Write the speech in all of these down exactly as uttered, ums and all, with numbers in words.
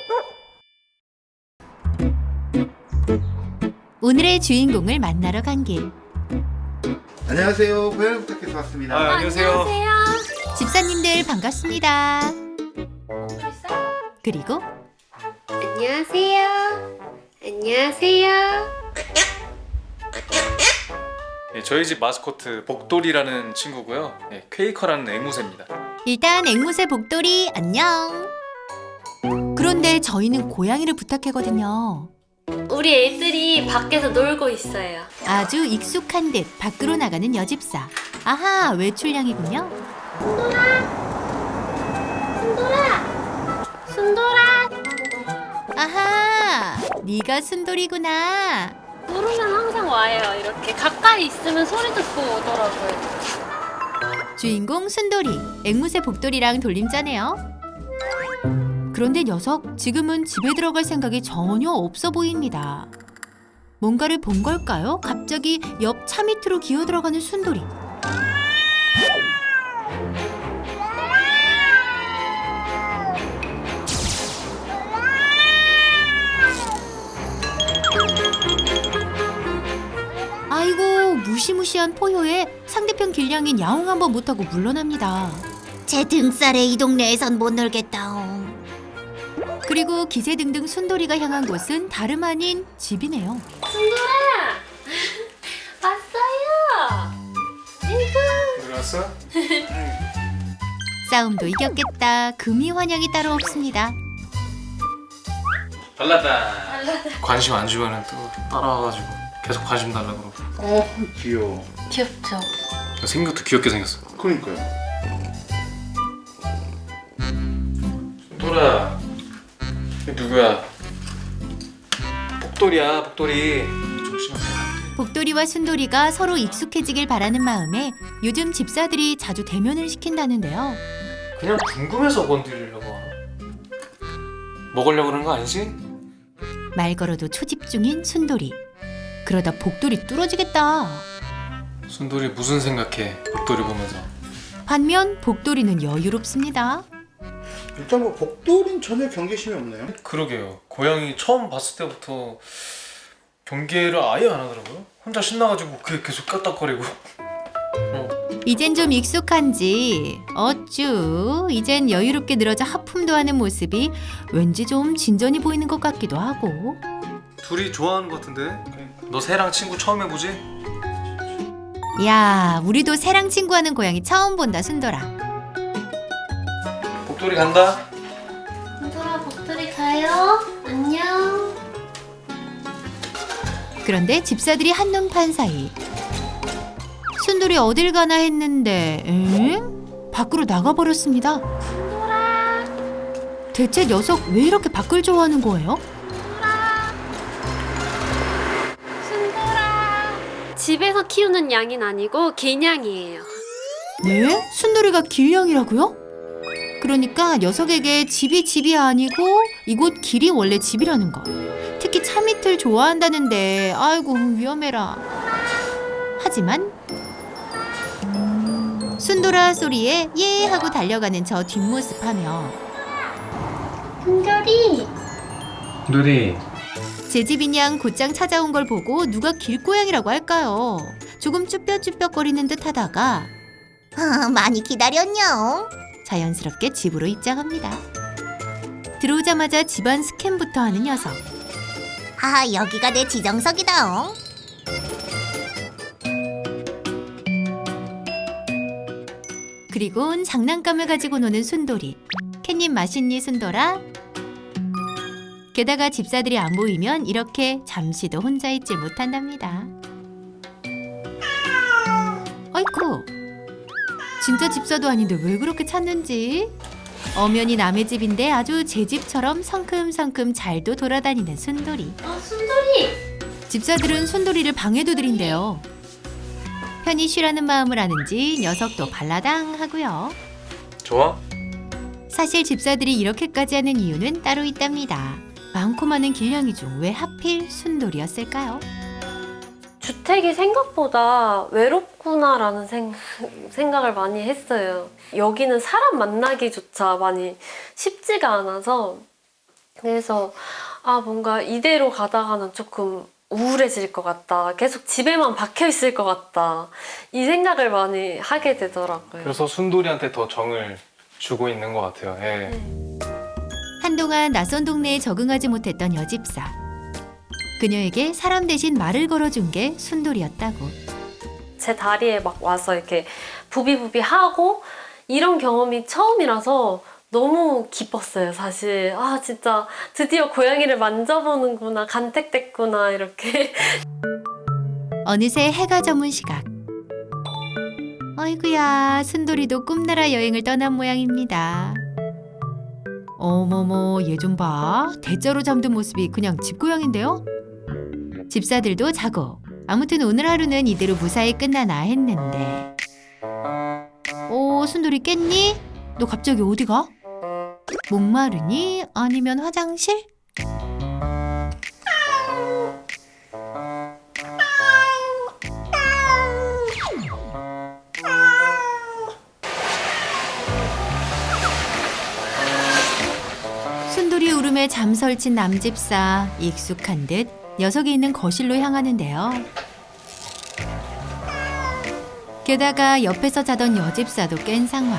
오늘의 주인공을 만나러 간 길. 안녕하세요. 고양이 부탁해서 왔습니다. 아, 안녕하세요. 집사님들 반갑습니다. 그리고 안녕하세요. 안녕하세요. 네, 저희 집 마스코트 복돌이라는 친구고요. 네, 퀘이커라는 앵무새입니다. 일단 앵무새 복돌이 안녕. 그런데 저희는 고양이를 부탁했거든요. 우리 애들이 밖에서 놀고 있어요. 아주 익숙한 듯 밖으로 나가는 여집사. 아하, 외출량이군요. 순돌아! 순돌아! 아하, 네가 순돌이구나. 부르면 항상 와요. 이렇게 가까이 있으면 소리 듣고 오더라고요. 주인공 순돌이, 앵무새 복돌이랑 돌림자네요. 그런데 녀석 지금은 집에 들어갈 생각이 전혀 없어 보입니다. 뭔가를 본 걸까요? 갑자기 옆 차 밑으로 기어 들어가는 순돌이. 아이고, 무시무시한 포효에 상대편 길냥인 야옹 한번 못하고 물러납니다. 제 등살에 이 동네에선 못 놀겠다옹. 그리고 기세등등 순돌이가 향한 곳은 다름 아닌 집이네요. 순돌아! 왔어요! 아이고. 들어왔어? 싸움도 이겼겠다. 금이 환영이 따로 없습니다. 발라다. 관심 안 주면은 또 따라와가지고 계속 관심 달라고 그러고. 어, 귀여워. 귀엽죠? 생긴 것도 귀엽게 생겼어. 그러니까요. 돌아. 누구야? 복돌이야, 복돌이. 조심하세요. 복돌이와 순돌이가 서로 익숙해지길 바라는 마음에 요즘 집사들이 자주 대면을 시킨다는데요. 그냥 궁금해서 건드리려고 하나? 먹으려고 그러는 거 아니지? 말 걸어도 초집중인 순돌이. 그러다 복돌이 뚫어지겠다. 순돌이 무슨 생각해? 복돌이 보면서. 반면 복돌이는 여유롭습니다. 일단 뭐 복돌은 전혀 경계심이 없네요. 그러게요. 고양이 처음 봤을 때부터 경계를 아예 안 하더라고요. 혼자 신나가지고 그게 계속 까딱거리고. 어. 이젠 좀 익숙한지 어쭈 이젠 여유롭게 늘어져 하품도 하는 모습이 왠지 좀 진전이 보이는 것 같기도 하고. 둘이 좋아하는 것 같은데? 너 새랑 친구 처음 해보지? 야, 우리도 새랑 친구하는 고양이 처음 본다, 순돌아. 복돌이 간다. 순돌아, 복돌이 가요. 안녕. 그런데 집사들이 한눈판 사이 순돌이 어딜 가나 했는데 엥? 밖으로 나가버렸습니다. 순돌아! 대체 녀석 왜 이렇게 밖을 좋아하는 거예요? 순돌아! 집에서 키우는 양은 아니고 개냥이에요. 네? 순돌이가 길냥이라고요? 그러니까 녀석에게 집이 집이 아니고 이곳 길이 원래 집이라는 거. 특히 차 밑을 좋아한다는데 아이고 위험해라. 하지만 순돌아 소리에 예 하고 달려가는 저 뒷모습 하며 순돌이! 누리. 제 집인 양 곧장 찾아온 걸 보고 누가 길고양이라고 할까요? 조금 쭈뼛쭈뼛거리는 듯 하다가 아, 많이 기다렸냐? 자연스럽게 집으로 입장합니다. 들어오자마자 집안 스캔부터 하는 녀석. 아, 여기가 내 지정석이다. 그리곤 장난감을 가지고 노는 순돌이. 캣님 맛있니 순돌아? 게다가 집사들이 안 보이면 이렇게 잠시도 혼자 있질 못한답니다. 아이쿠, 진짜 집사도 아닌데 왜 그렇게 찾는지. 엄연히 남의 집인데 아주 제 집처럼 성큼성큼 잘도 돌아다니는 순돌이. 어, 순돌이! 집사들은 순돌이를 방해도 들인대요. 편히 쉬라는 마음을 아는지 녀석도 발라당 하고요. 좋아? 사실 집사들이 이렇게까지 하는 이유는 따로 있답니다. 많고 많은 길냥이 중 왜 하필 순돌이었을까요? 주택이 생각보다 외롭구나라는 생, 생각을 많이 했어요. 여기는 사람 만나기조차 많이 쉽지가 않아서 그래서 아 뭔가 이대로 가다가는 조금 우울해질 것 같다. 계속 집에만 박혀 있을 것 같다. 이 생각을 많이 하게 되더라고요. 그래서 순돌이한테 더 정을 주고 있는 것 같아요. 예. 한동안 낯선 동네에 적응하지 못했던 여집사. 그녀에게 사람 대신 말을 걸어준 게 순돌이였다고. 제 다리에 막 와서 이렇게 부비부비 하고 이런 경험이 처음이라서 너무 기뻤어요, 사실. 아, 진짜 드디어 고양이를 만져보는구나, 간택됐구나, 이렇게. 어느새 해가 저문 시각. 어이구야, 순돌이도 꿈나라 여행을 떠난 모양입니다. 어머머, 얘 좀 봐. 대자로 잠든 모습이 그냥 집고양인데요? 집사들도 자고. 아무튼 오늘 하루는 이대로 무사히 끝나나 했는데. 오, 순돌이 깼니? 너 갑자기 어디 가? 목마르니? 아니면 화장실? 순돌이 울음에 잠설친 남집사. 익숙한 듯 녀석이 있는 거실로 향하는데요. 게다가 옆에서 자던 여집사도 깬 상황.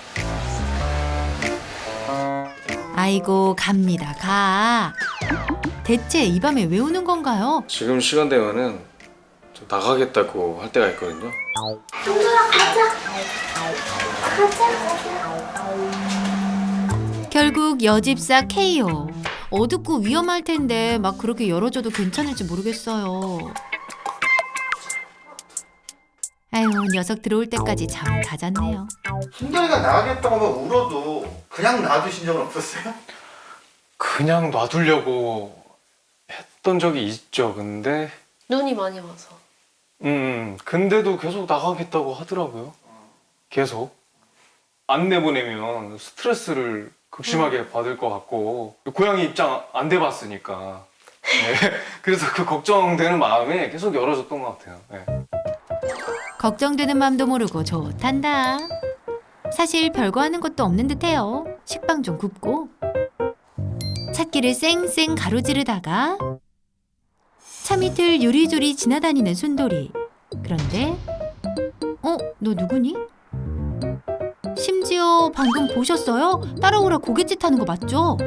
아이고, 갑니다, 가. 대체 이 밤에 왜 우는 건가요? 지금 시간 되면은 좀 나가겠다고 할 때가 있거든요. 결국 여집사 케이오. 어둡고 위험할 텐데 막 그렇게 열어줘도 괜찮을지 모르겠어요. 아유, 녀석 들어올 때까지 잠 다 잤네요. 순돌이가 나가겠다고 하면 울어도 그냥 놔두신 적은 없었어요? 그냥 놔두려고 했던 적이 있죠. 근데 눈이 많이 와서. 음, 근데도 계속 나가겠다고 하더라고요. 계속. 안 내보내면 스트레스를 극심하게 받을 것 같고 고양이 입장 안 돼봤으니까 네. 그래서 그 걱정되는 마음에 계속 열어줬던 것 같아요. 네. 걱정되는 맘도 모르고 좋단다. 사실 별거 하는 것도 없는 듯해요. 식빵 좀 굽고 찾기를 쌩쌩 가로지르다가 차 밑을 요리조리 지나다니는 순돌이. 그런데 어? 너 누구니? 심지어 방금 보셨어요? 따라오라 고갯짓 하는 거 맞죠?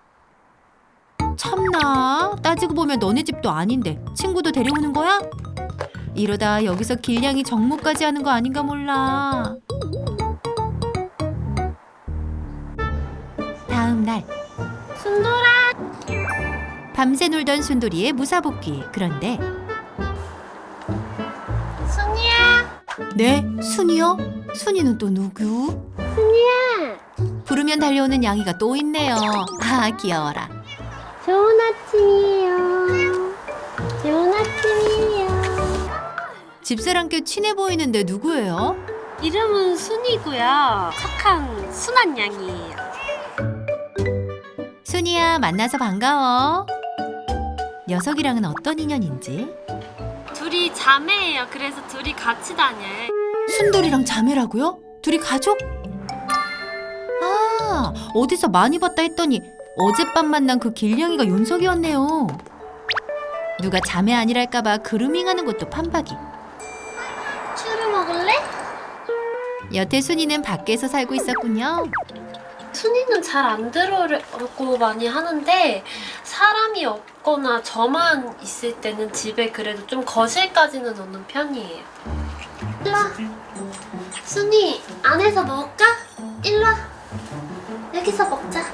참나, 따지고 보면 너네 집도 아닌데 친구도 데려오는 거야? 이러다 여기서 길냥이 정모까지 하는 거 아닌가 몰라. 다음 날 순돌아. 밤새 놀던 순돌이의 무사복귀. 그런데 순이야. 네? 순이요? 순이는 또 누구? 순이야. 부르면 달려오는 양이가 또 있네요. 아, 귀여워라. 좋은 아침이에요. 좋은 아침이에요. 집사람께 친해 보이는데 누구예요? 이름은 순이고요. 착한 순한 양이에요. 순이야, 만나서 반가워. 녀석이랑은 어떤 인연인지. 둘이 자매예요. 그래서 둘이 같이 다녀요. 순돌이랑 자매라고요? 둘이 가족? 아, 어디서 많이 봤다 했더니 어젯밤 만난 그 길냥이가 윤석이었네요. 누가 자매 아니랄까봐 그루밍하는 것도 판박이. 추루 먹을래? 여태 순이는 밖에서 살고 있었군요. 순이는 잘 안 들어오고 많이 하는데 사람이 없거나 저만 있을 때는 집에 그래도 좀 거실까지는 오는 편이에요. 일로 와. 순이 안에서 먹을까? 일로 와. 여기서 먹자.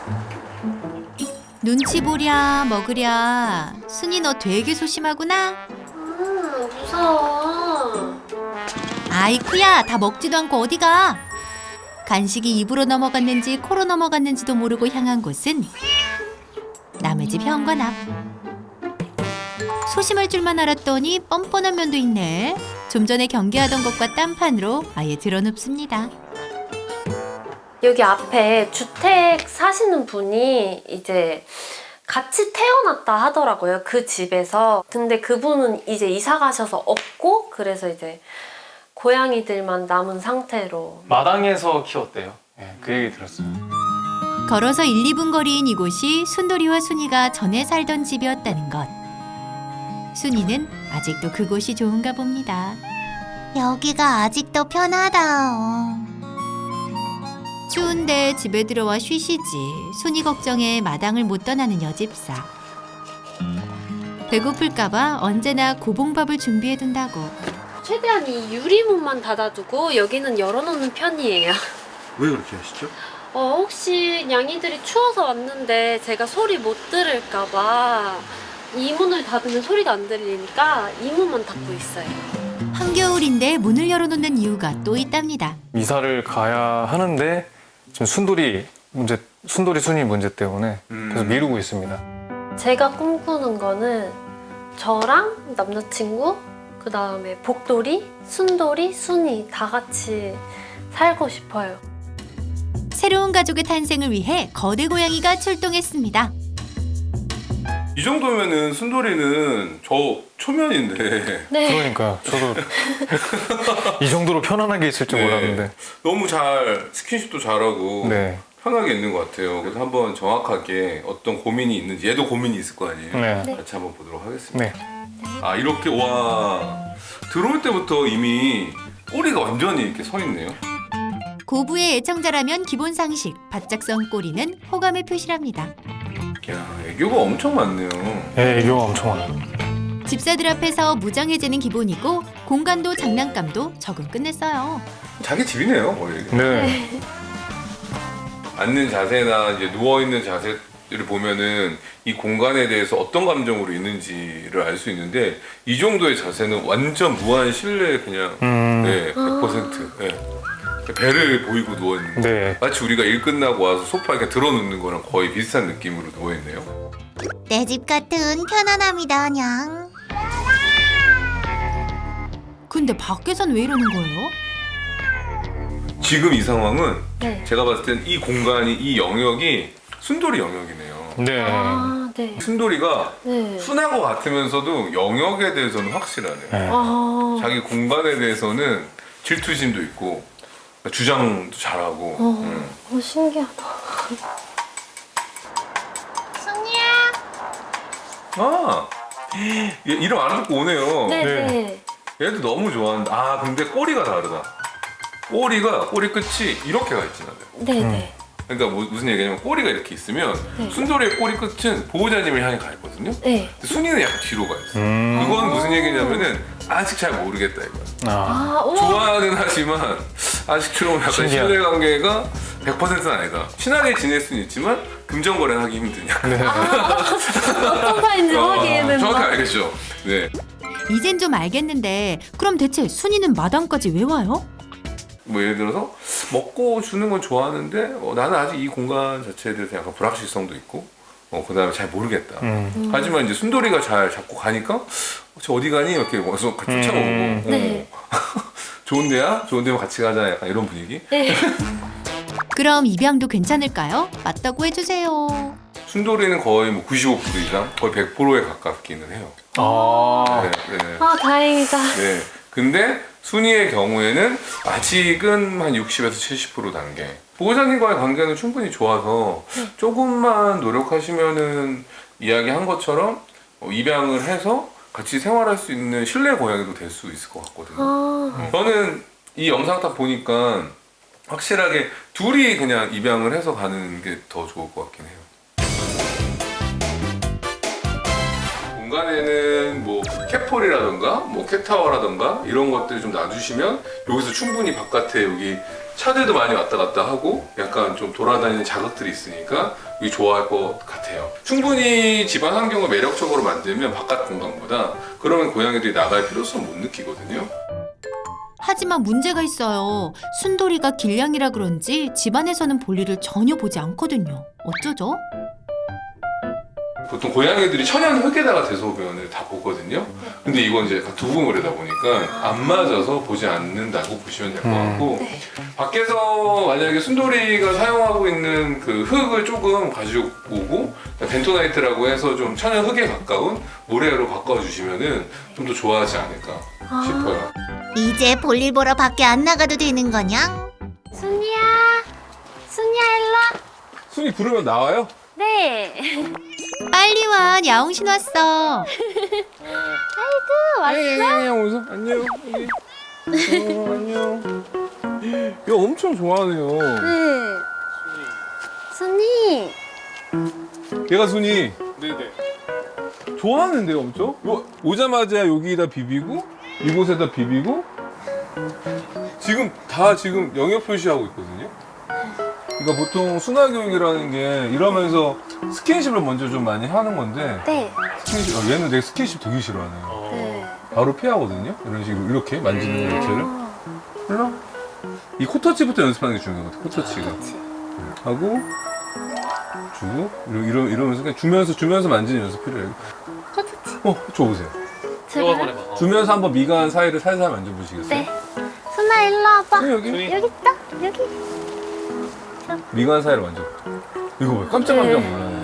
눈치 보랴 먹으랴. 순이 너 되게 소심하구나. 음, 무서워. 아이쿠야, 다 먹지도 않고 어디가. 간식이 입으로 넘어갔는지 코로 넘어갔는지도 모르고 향한 곳은 남의 집 현관 앞. 소심할 줄만 알았더니 뻔뻔한 면도 있네. 좀 전에 경계하던 것과 딴판으로 아예 드러눕습니다. 여기 앞에 주택 사시는 분이 이제 같이 태어났다 하더라고요. 그 집에서. 근데 그분은 이제 이사 가셔서 없고 그래서 이제 고양이들만 남은 상태로. 마당에서 키웠대요. 네, 그 얘기 들었어요. 걸어서 일, 이 분 거리인 이곳이 순돌이와 순이가 전에 살던 집이었다는 것. 순이는 아직도 그곳이 좋은가 봅니다. 여기가 아직도 편하다. 추운데 집에 들어와 쉬시지. 순이 걱정에 마당을 못 떠나는 여집사. 배고플까봐 언제나 고봉밥을 준비해둔다고. 최대한 이 유리문만 닫아두고 여기는 열어놓는 편이에요. 왜 그렇게 하시죠? 어, 혹시 냥이들이 추워서 왔는데 제가 소리 못 들을까봐 이 문을 닫으면 소리가 안 들리니까 이 문만 닫고 있어요. 한겨울인데 문을 열어놓는 이유가 또 있답니다. 이사를 가야 하는데 지금 순돌이 문제, 순돌이 순이 문제 때문에 계속 미루고 있습니다. 제가 꿈꾸는 거는 저랑 남자친구, 그 다음에 복돌이, 순돌이, 순이 다 같이 살고 싶어요. 새로운 가족의 탄생을 위해 거대 고양이가 출동했습니다. 이 정도면은 순돌이는 저 초면인데 네. 그러니까 저도 이 정도로 편안하게 있을 줄 네. 몰랐는데. 너무 잘 스킨십도 잘하고 네. 편하게 있는 것 같아요. 그래서 한번 정확하게 어떤 고민이 있는지, 얘도 고민이 있을 거 아니에요. 네. 네. 같이 한번 보도록 하겠습니다. 네. 아, 이렇게 와 들어올 때부터 이미 꼬리가 완전히 이렇게 서 있네요. 고부의 애청자라면 기본 상식, 바짝 선 꼬리는 호감의 표시랍니다. 야, 애교가 엄청 많네요. 네, 애교가 엄청 많아요. 집사들 앞에서 무장해제는 기본이고 공간도 장난감도 적응 끝냈어요. 자기 집이네요, 거의. 네. 앉는 자세나 이제 누워 있는 자세를 보면은 이 공간에 대해서 어떤 감정으로 있는지를 알 수 있는데 이 정도의 자세는 완전 무한 신뢰 그냥 음. 네, 백 퍼센트. 네. 배를 보이고 누워 있는 거. 네. 마치 우리가 일 끝나고 와서 소파에 이렇게 들어눕는 거랑 거의 비슷한 느낌으로 누워 있네요. 내 집 같은 편안함이다, 냥. 근데 밖에선 왜 이러는 거예요? 지금 이 상황은 네. 제가 봤을 땐 이 공간이 이 영역이 순돌이 영역이네요. 네. 아, 네. 순돌이가 네. 순한 것 같으면서도 영역에 대해서는 확실하네요. 네. 아, 자기 공간에 대해서는 질투심도 있고 주장도 잘하고. 어, 음. 어, 신기하다. 아, 얘 이름 안 듣고 오네요. 네, 네. 네. 얘도 너무 좋아한다. 아, 근데 꼬리가 다르다. 꼬리가 꼬리 끝이 이렇게 가 있진 않아요. 네, 네. 그러니까 뭐, 무슨 얘기냐면 꼬리가 이렇게 있으면 네. 순돌이의 꼬리 끝은 보호자님을 향해 가 있거든요. 네. 근데 순이는 약간 뒤로 가 있어. 요 음. 그건 무슨 얘기냐면은 아직 잘 모르겠다 이거야. 아. 아, 우와. 좋아는 하지만 아직 좀 약간 신기하다. 신뢰관계가 백 퍼센트는 아니다. 친하게 지낼 수는 있지만 금전거래는 하기 힘드냐. 어떤 사이인지 어, 확인은 정확히 알겠죠. 네. 이젠 좀 알겠는데 그럼 대체 순이는 마당까지 왜 와요? 뭐 예를 들어서 먹고 주는 건 좋아하는데 어, 나는 아직 이 공간 자체에 대해서 약간 불확실성도 있고 어, 그 다음에 잘 모르겠다. 음. 하지만 이제 순돌이가 잘 잡고 가니까 어, 저 어디 가니? 이렇게 와서 같이 쫓아오고 음. 어, 네. 좋은 데야? 좋은 데면 같이 가자 약간 이런 분위기. 네. 그럼 입양도 괜찮을까요? 맞다고 해주세요. 순돌이는 거의 뭐 구십오 퍼센트 이상 거의 백 퍼센트에 가깝기는 해요. 아. 네, 네. 아, 다행이다. 네. 근데 순이의 경우에는 아직은 한 육십에서 칠십 퍼센트 단계. 보호자님과의 관계는 충분히 좋아서 조금만 노력하시면은 이야기한 것처럼 입양을 해서 같이 생활할 수 있는 실내 고양이도 될 수 있을 것 같거든요. 아, 저는 이 영상 딱 보니까 확실하게 둘이 그냥 입양을 해서 가는 게 더 좋을 것 같긴 해요. 공간에는 뭐 캣폴이라던가 뭐 캣타워라던가 이런 것들을 좀 놔주시면 여기서 충분히 바깥에 여기 차들도 많이 왔다 갔다 하고 약간 좀 돌아다니는 자극들이 있으니까 여기 좋아할 것 같아요. 충분히 집안 환경을 매력적으로 만들면 바깥 공간보다 그러면 고양이들이 나갈 필요성 못 느끼거든요. 하지만 문제가 있어요. 순돌이가 길냥이라 그런지 집안에서는 볼일을 전혀 보지 않거든요. 어쩌죠? 보통 고양이들이 천연 흙에다가 대소변을 다 보거든요. 근데 이건 이제 약간 두부물이다 보니까 안 맞아서 보지 않는다고 보시면 될 것 같고 밖에서 만약에 순돌이가 사용하고 있는 그 흙을 조금 가지고 오고 벤토나이트라고 해서 좀 천연 흙에 가까운 모래로 바꿔주시면은 좀 더 좋아하지 않을까 싶어요. 이제 볼일 보러 밖에 안 나가도 되는 거냐? 순이야. 순이야, 일로 와. 순이 부르면 나와요? 네. 빨리 와, 야옹신 왔어. 안녕 오서 안녕. 어, 안녕. 야 엄청 좋아하네요. 네. 순이. 얘가 순이 네네. 좋아하는데요, 엄청? 요, 오자마자 여기다 비비고 이곳에다 비비고 지금 다 지금 영역 표시하고 있거든요. 그러니까 보통 순화 교육이라는 게 이러면서 스킨십을 먼저 좀 많이 하는 건데 네. 스킨십, 어, 얘는 내 스킨십 되게 싫어하네요. 네. 바로 피하거든요. 이런 식으로 이렇게 만지는 거 자체를. 일로 이 코터치부터 연습하는 게 중요한 것 같아요. 코터치가 하고 주고 이러, 이러, 이러면서 그냥 주면서 주면서 만지는 연습 필요해요. 코터치. 어, 줘보세요. 너가 한번 해봐. 어. 주면서 한번 미간 사이를 살살 만져보시겠어요? 네. 순아 일로 와봐. 순이 여기 순이. 여기 있다. 여기. 미간 사이를 만져. 이거 봐, 깜짝깜짝 놀라네.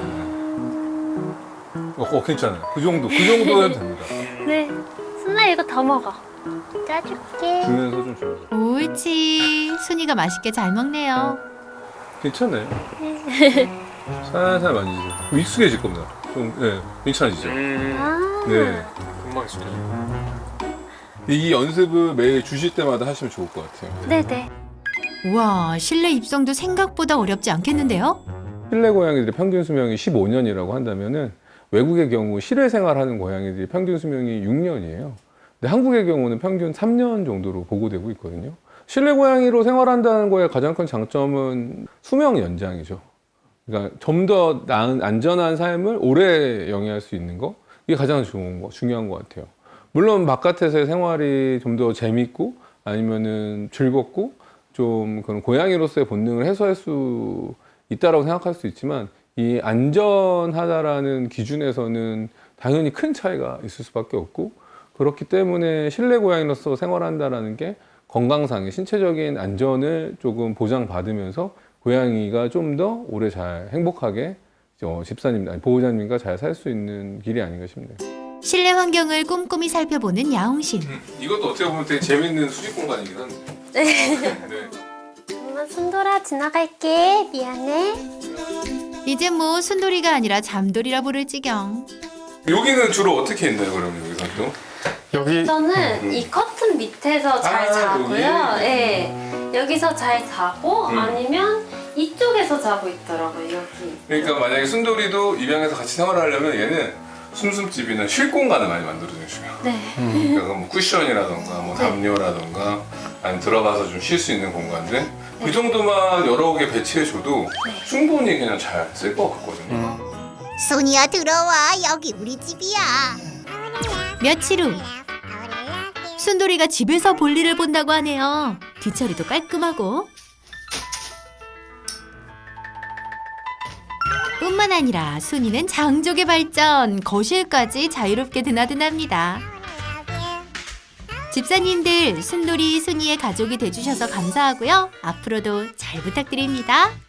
어, 어, 괜찮아요. 그 정도, 그 정도 해도 됩니다. 네. 순아 이거 더 먹어. 짜줄게. 주면서 좀 주면서. 옳지. 순이가 맛있게 잘 먹네요. 괜찮아요. 살살 만지세요. 그럼 익숙해질 겁니다. 좀, 네, 괜찮아지죠? 음, 아. 네. 금방 익숙해져. 이 연습을 매일 주실 때마다 하시면 좋을 것 같아요. 네네. 우와, 실내 입성도 생각보다 어렵지 않겠는데요? 실내 고양이들의 평균 수명이 십오 년이라고 한다면은 외국의 경우 실외 생활하는 고양이들이 평균 수명이 육 년이에요. 근데 한국의 경우는 평균 삼 년 정도로 보고되고 있거든요. 실내 고양이로 생활한다는 거의 가장 큰 장점은 수명 연장이죠. 그러니까 좀 더 나은 안전한 삶을 오래 영위할 수 있는 거, 이게 가장 좋은 거, 중요한 것 같아요. 물론 바깥에서의 생활이 좀 더 재밌고 아니면은 즐겁고 좀 그런 고양이로서의 본능을 해소할 수 있다라고 생각할 수 있지만 이 안전하다라는 기준에서는 당연히 큰 차이가 있을 수밖에 없고, 그렇기 때문에 실내 고양이로서 생활한다라는 게 건강상의 신체적인 안전을 조금 보장받으면서 고양이가 좀 더 오래 잘 행복하게 어, 집사님, 아니, 보호자님과 잘 살 수 있는 길이 아닌가 싶네요. 실내 환경을 꼼꼼히 살펴보는 야옹신. 이것도 어떻게 보면 되게 재밌는 수직 공간이긴 한데. 네. 엄마 순돌아 지나갈게. 미안해. 이제 뭐 순돌이가 아니라 잠돌이라 부를 지경. 여기는 주로 어떻게 있나요, 그러면 여기서 또? 여기 저는 이 커튼 밑에서 잘 아, 자고요. 여기? 네. 여기서 잘 자고 음. 아니면 이쪽에서 자고 있더라고요. 여기. 그러니까 만약에 순돌이도 입양해서 같이 생활하려면 얘는 숨숨집이나 쉴 공간을 많이 만들어주셔요. 네. 그러니까 뭐 쿠션이라던가 뭐 담요라던가 아니면 들어가서 좀 쉴 수 있는 공간들 그 정도만 여러 개 배치해줘도 충분히 그냥 잘 쓸 것 같거든요. 순이야 들어와, 여기 우리 집이야. 며칠 후 순돌이가 집에서 볼일을 본다고 하네요. 뒤처리도 깔끔하고 뿐만 아니라 순이는 장족의 발전, 거실까지 자유롭게 드나드납니다. 집사님들, 순돌이, 순이의 가족이 돼주셔서 감사하고요. 앞으로도 잘 부탁드립니다.